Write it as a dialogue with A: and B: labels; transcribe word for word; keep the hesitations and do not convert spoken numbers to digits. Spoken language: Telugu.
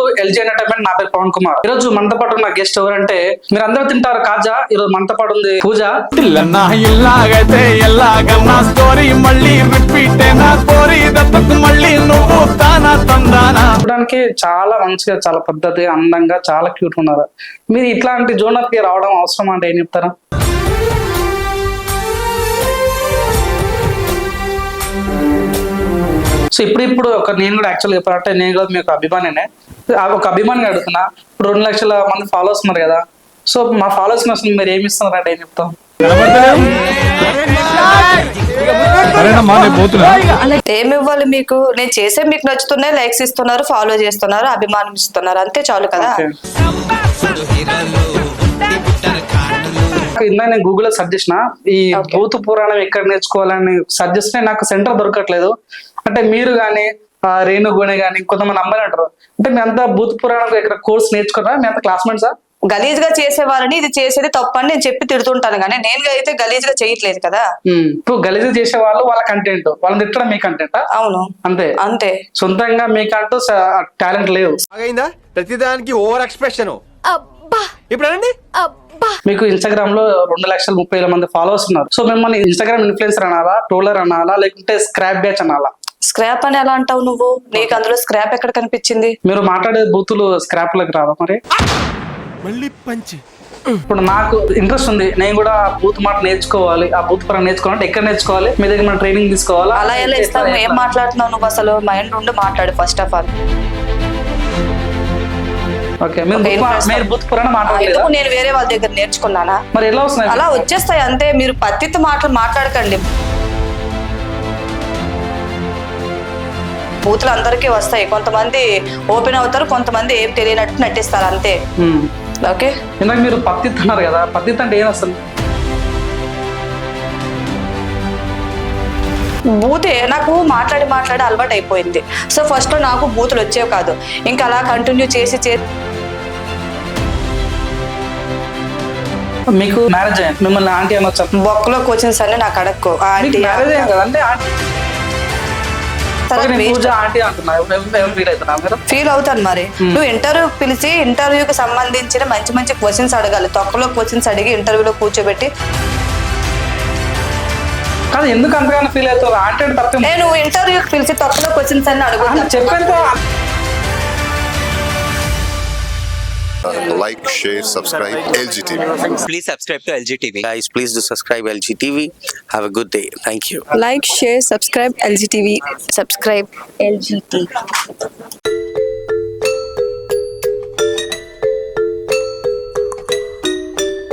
A: To LG entertainment. నా పేరు పవన్ కుమార్. ఈ రోజు మనతో పాటు ఉన్న గెస్ట్ ఎవరంటే మీరు అందరూ తింటారు కాజా. ఈ రోజు మనతో పాటు ఉంది పూజ. చూడడానికి చాలా మంచిగా, చాలా పద్ధతి, అందంగా, చాలా క్యూట్ ఉన్నారు. మీరు ఇట్లాంటి జోనర్ కి రావడం అవసరం అంటే ఏం చెప్తారా? సో ఇప్పుడు ఇప్పుడు ఒక నేను కూడా యాక్చువల్గా చెప్పాలంటే నేను కూడా మీకు అభిమానినే. ఒక అభిమానిగా అడుగుతున్నా. ఇప్పుడు రెండు లక్షల మంది ఫాలోవర్స్ ఉన్నారు కదా. సో మా ఫాలోవర్స్ అసలు మీరు ఏమి ఇస్తున్నారు అంటే ఏం చెప్తాం?
B: ఏమి ఇవ్వాలి మీకు? నేను చేసే మీకు నచ్చుతున్నాయి, లైక్స్ ఇస్తున్నారు, ఫాలో చేస్తున్నారు, అభిమానం ఇస్తున్నారు, అంతే చాలు కదా.
A: ఇందా నేను గూగుల్ లో సెర్చ్ చేసిన ఈ భూత పురాణం ఎక్కడ నేర్చుకోవాలని సెర్చ్ చేస్తే నాకు సెంటర్ దొరకట్లేదు. అంటే మీరు గానీ రేణు గుణి గానీ కొంతమంది అమ్మాయిలు అంటారు. అంటే మీ అంతా భూత పురాణం ఇక్కడ కోర్స్ నేర్చుకున్నారా? మీ అంతా క్లాస్మేట్సా?
B: గలీజ్ గా చేసే వాళ్ళని ఇది చేసేది తప్పని నేను చెప్పి తిడుతుంటాను, కానీ నేను అయితే గలీజ్ గా చేయట్లేదు కదా.
A: ఇప్పుడు గలీజ్ చేసే వాళ్ళు వాళ్ళ కంటెంట్, వాళ్ళని తిట్టడం మీ కంటెంట్. అవును, అంతే అంతే. సొంతంగా మీకంటూ టాలెంట్ లేదు.
C: ప్రతిదానికి ఓవర్ ఎక్స్ప్రెషన్.
A: మీకు ఇన్స్టాగ్రామ్ లో రెండు లక్షల ముప్పై వేల మంది ఫాలోవర్స్ ఉన్నారు. సో మిమ్మల్ని ఇన్స్టాగ్రామ్ ఇన్ఫ్లుయెన్సర్ అనాలా, ట్రోలర్ అనాలా, లేకుంటే స్క్రాప్ బ్యాచ్ అనాలా?
B: స్క్రాప్ అని ఎలా అంటావు నువ్వు? నీకు అందులో స్క్రాప్ ఎక్కడ కనిపించింది?
A: మీరు మాట్లాడే బూతులు స్క్రాప్ లకు రావా మరి? ఇప్పుడు నాకు ఇంట్రెస్ట్ ఉంది, నేను కూడా బూత్ మాట నేర్చుకోవాలి, ఆ బూత్ పరంగా నేర్చుకోవాలంటే ఎక్కడ నేర్చుకోవాలి? మీ దగ్గర మనం ట్రైనింగ్ తీసుకోవాలా?
B: అలా ఎలా ఇస్తాను? ఏం మాట్లాడుతున్నావు నువ్వు? అసలు మైండ్ ఉండి మాట్లాడు ఫస్ట్ ఆఫ్ ఆల్. నేను వేరే వాళ్ళ దగ్గర నేర్చుకున్నానా?
A: మరి ఎలా వస్తున్నాయి?
B: అలా వచ్చేస్తాయి అంతే. మీరు పత్తితో మాటలు మాట్లాడకండి. బూతులు అందరికీ వస్తాయి. కొంతమంది ఓపెన్ అవుతారు, కొంతమంది ఏం తెలియనట్టు నటిస్తారు అంతే. ఓకే,
A: ఇందాక మీరు పత్తి అన్నారు కదా, పత్తి అంటే ఏం అసలు?
B: బూతే నాకు మాట్లాడి మాట్లాడి అలవాటు అయిపోయింది. సో ఫస్ట్ లో నాకు బూతులు వచ్చేవి కాదు. ఇంకా అలా కంటిన్యూ చేసి చేసి
A: మీకు మ్యారేజ్ అయ్యింది, మిమ్మల్ని ఆంటీ అనొచ్చా?
B: బొక్కలో క్వశ్చన్స్ అన్ని నాకు అడక్కు. ఆంటీ
A: మ్యారేజ్ అయ్యింది కదంటే
B: ఫీల్ అవుతాను మరి. నువ్వు ఇంటర్వ్యూ పిలిచి ఇంటర్వ్యూకి సంబంధించిన మంచి మంచి క్వశ్చన్స్ అడగాలి. తొక్కలో క్వశ్చన్స్ అడిగి ఇంటర్వ్యూలో కూర్చోబెట్టి
A: కాదు. ఎందుకు అంతగానో ఫీల్ అవుతావు? ఆంటీ అంటే తప్ప.
B: నేను ఇంటర్వ్యూకి పిలిచి తొక్కలో క్వశ్చన్స్ అన్ని అడుగుతాను.
A: చెప్పాను.
D: Like, share, subscribe L G T V.
E: Please subscribe to L G T V.
F: Guys, please do subscribe L G T V. Have a good day. Thank you.
G: Like, share, subscribe L G T V. Subscribe L G T V.